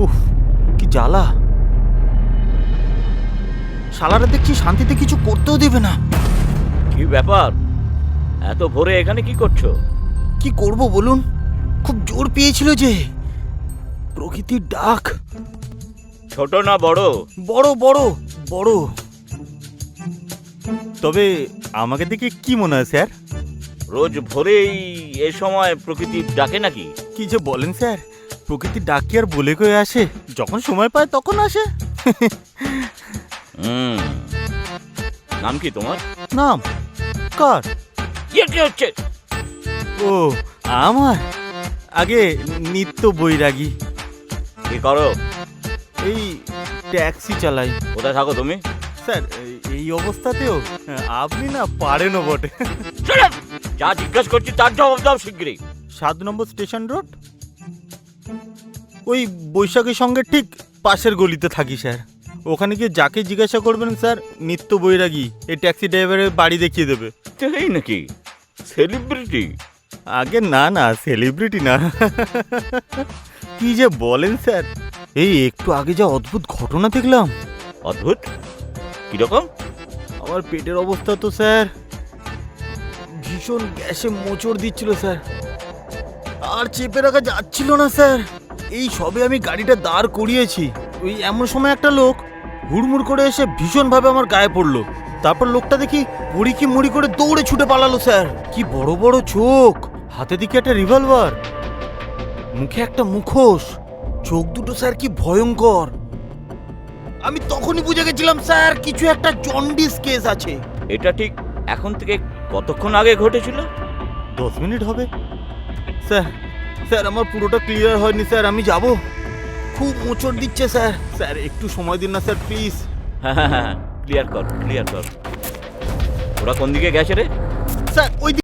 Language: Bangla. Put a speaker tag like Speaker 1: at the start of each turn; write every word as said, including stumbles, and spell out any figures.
Speaker 1: উফ, কি জ্বালা। শালারা দেখছি শান্তিতে কিছু করতেও দেবে না।
Speaker 2: কি ব্যাপার, এত ভোরে এখানে কি করছো?
Speaker 1: কি করব বলুন, খুব জোর পেয়েছিল যে প্রকৃতির ডাক।
Speaker 2: ছোট না বড়?
Speaker 1: বড় বড় বড়। তবে আমাকে দেখে কি মনে হয় স্যার?
Speaker 2: রোজ ভোরেই এ সময় প্রকৃতির ডাকে নাকি?
Speaker 1: কি যে বলেন স্যার, প্রকৃতির ডাক কি আর বলে কয়ে আসে? যখন সময় পায় তখন আসে।
Speaker 2: হুম, নাম কি তোমার?
Speaker 1: নাম কার?
Speaker 2: ইয়ে কি হচ্ছে?
Speaker 1: ও আমার, আগে নিত্য বৈরাগী।
Speaker 2: কি করো?
Speaker 1: এই ট্যাক্সি চালাই।
Speaker 2: কোথায় থাকো তুমি?
Speaker 1: স্যার এই- এই অবস্থাতেও আপনি না পারেনও বটে।
Speaker 2: Shut up! যা জিজ্ঞেস করছি তার জবাব দাও শিগগিরই।
Speaker 1: সাত নম্বর স্টেশন রোড, ওই বৈশাখীর সঙ্গে ঠিক পাশের গলিতে থাকি স্যার। ওখানে গিয়ে যাকে জিজ্ঞাসা করবেন স্যার, নিত্য বৈরাগী এই ট্যাক্সি ড্রাইভারের বাড়ি দেখিয়ে দেবে।
Speaker 2: এই নাকি সেলিব্রিটি?
Speaker 1: আগে না না, সেলিব্রিটি না। কি যে বলেন স্যার, এই একটু আগে যা অদ্ভুত ঘটনা দেখলাম।
Speaker 2: অদ্ভুত? কিরকম?
Speaker 1: আমার পেটের অবস্থা তো স্যার ভীষণ গ্যাসে মোচড় দিচ্ছিল স্যার, আর চেপে রাখা যাচ্ছিল না স্যার। এই সবে আমি গাড়িটা দাঁড় করিয়েছি, ওই এমন সময় একটা লোক হুড়মুড় করে এসে ভীষণভাবে আমার গায়ে পড়লো। তারপর লোকটা দেখি মুড়ি কি মুড়ি করে দৌড়ে ছুটে পালালো স্যার। কি বড় বড় চোখ, হাতে দিকে একটা রিভলভার, মুখে একটা মুখোশ, চোখ দুটো স্যার কি ভয়ঙ্কর। আমি তখনই বুঝে গেছিলাম স্যার কিছু একটা জন্ডিস কেস আছে।
Speaker 2: এটা ঠিক এখন থেকে কতক্ষণ আগে ঘটেছিল?
Speaker 1: দশ মিনিট হবে স্যার। স্যার আমার পুরোটা ক্লিয়ার হয়নি স্যার, আমি যাব। খুব মোচড় দিচ্ছে স্যার। স্যার একটু সময় দিন না স্যার প্লিজ।
Speaker 2: হ্যাঁ হ্যাঁ হ্যাঁ, ক্লিয়ার কর ক্লিয়ার কর। ওরা কোন দিকে গেছে রে?
Speaker 1: স্যার ওই